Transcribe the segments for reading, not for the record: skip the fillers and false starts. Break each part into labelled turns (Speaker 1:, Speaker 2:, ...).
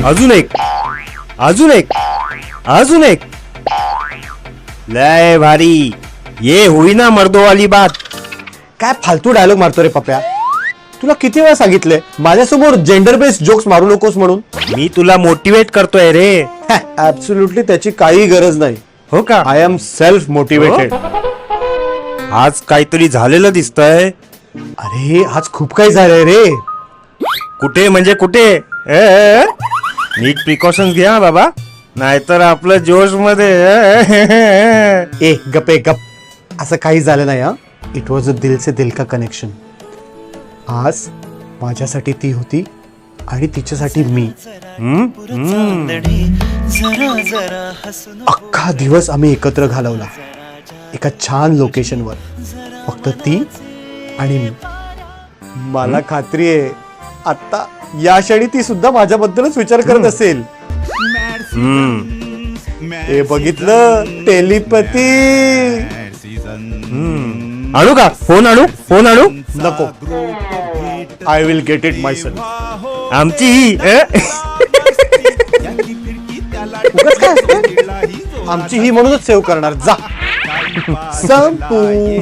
Speaker 1: अजून एक, अजून एक, अजून एक. लय भारी. ये हुई ना मर्दो वाली बात.
Speaker 2: काय फालतू डायलॉग मारतो रे पप्या. तुला किती वेळा सांगितलंय माझ्यासमोर जेंडर बेस्ड जोक्स मारू नकोस म्हणून.
Speaker 1: मी तुला मोटिवेट करतोय रे.
Speaker 2: ऍब्सोल्युटली त्याची काही गरज नाही.
Speaker 1: हो का?
Speaker 2: I am self motivated.
Speaker 1: आज काहीतरी झालेलं दिसतंय.
Speaker 2: अरे आज खूप काही झालंय रे.
Speaker 1: कुठे म्हणजे कुठे? नीट प्रिकॉशन्स घ्या बाबा, नाहीतर आपलं जोश मध्ये.
Speaker 2: ए गप. असं काही झालं नाही हा. इट वॉज अ दिल से दिल का कनेक्शन. आज माझ्यासाठी ती होती आणि तिच्यासाठी मी. अख्खा दिवस आम्ही एकत्र घालवला एका छान लोकेशनवर. फक्त ती आणि मी. मला खात्री आहे आता या क्षणी ती सुद्धा माझ्याबद्दलच विचार करत असेल. हे बघितलं, टेलिपॅथी.
Speaker 1: आणू का? फोन आणू?
Speaker 2: नको. I will get it myself.
Speaker 1: आमची ही
Speaker 2: आमची ही म्हणूनच सेव्ह करणार. जा. संपू.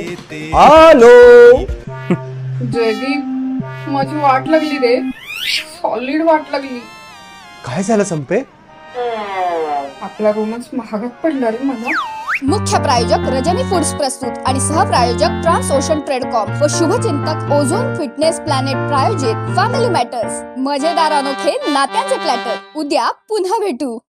Speaker 2: हॅलो
Speaker 3: जयदीप, माझी वाट लागली रे. सॉलिड वाट लागली.
Speaker 2: काय झालं संपे?
Speaker 3: आपला रूमच महागात पडला रे मला.
Speaker 4: मुख्य प्रायोजक रजनी फूड्स प्रस्तुत आणि सहप्रायोजक ट्रान्स ओशन ट्रेडकॉम व शुभचिंतक ओझोन फिटनेस प्लॅनेट प्रायोजित फॅमिली मॅटर्स. मजेदार अनोखे नात्यांचे प्लॅटर. उद्या पुन्हा भेटू.